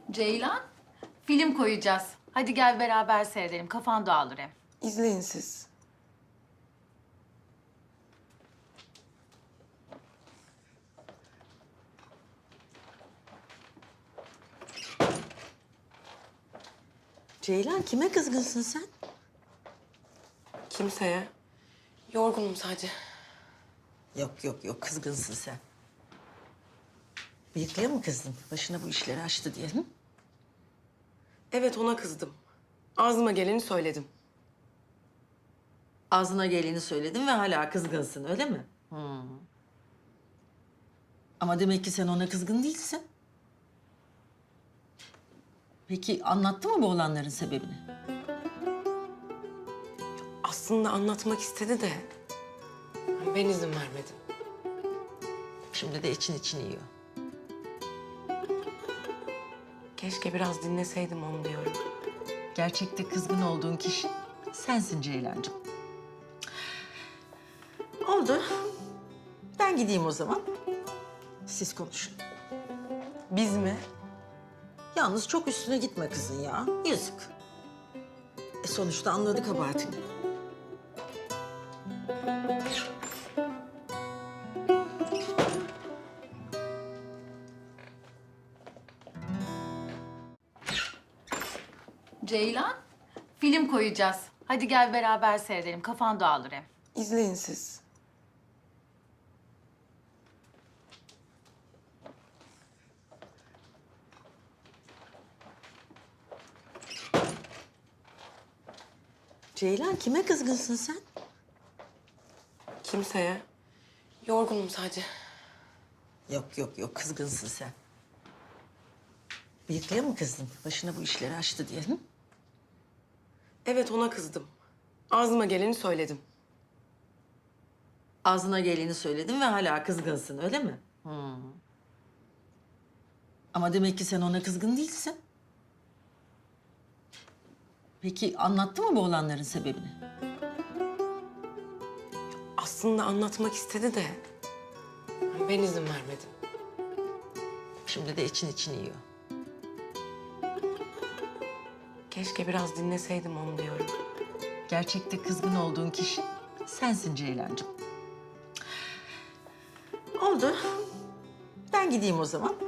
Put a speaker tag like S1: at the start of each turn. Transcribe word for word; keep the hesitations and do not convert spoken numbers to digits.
S1: Ceylan, film koyacağız. Hadi gel beraber seyredelim. Kafan dağılır hem.
S2: İzleyin siz.
S3: Ceylan, kime kızgınsın sen?
S2: Kimseye. Yorgunum sadece.
S3: Yok yok yok, kızgınsın sen. Bıyıklıya mı kızdın? Başına bu işleri açtı diye. Hı?
S2: Evet, ona kızdım. Ağzıma geleni söyledim.
S3: Ağzına geleni söyledin ve hala kızgınsın, öyle mi? Hı. Ama demek ki sen ona kızgın değilsin. Peki anlattı mı bu olanların sebebini?
S2: Aslında anlatmak istedi de ben izin vermedim.
S3: Şimdi de için için yiyor.
S2: Keşke biraz dinleseydim onu diyorum.
S3: Gerçekte kızgın olduğun kişi sensin Ceylancığım. Oldu. Ben gideyim o zaman. Siz konuşun.
S2: Biz mi?
S3: Yalnız çok üstüne gitme kızın ya. Yazık. E sonuçta anladı kabahatini.
S1: Ceylan, film koyacağız. Hadi gel beraber seyredelim. Kafan dağılır hem.
S2: İzleyin siz.
S3: Ceylan, kime kızgınsın sen?
S2: Kimseye. Yorgunum sadece.
S3: Yok yok yok, kızgınsın sen. Bıyıklıya mı kızdın? Başına bu işleri açtı diye. Hı?
S2: Evet, ona kızdım. Ağzıma geleni söyledim.
S3: Ağzına geleni söyledin ve hala kızgınsın, öyle mi? Hı. Ama demek ki sen ona kızgın değilsin. Peki anlattı mı bu olanların sebebini?
S2: Aslında anlatmak istedi de ben izin vermedim.
S3: Şimdi de için için yiyor.
S2: Keşke biraz dinleseydim onu diyorum.
S3: Gerçekte kızgın olduğun kişi sensin Ceylancığım. Oldu. Ben gideyim o zaman.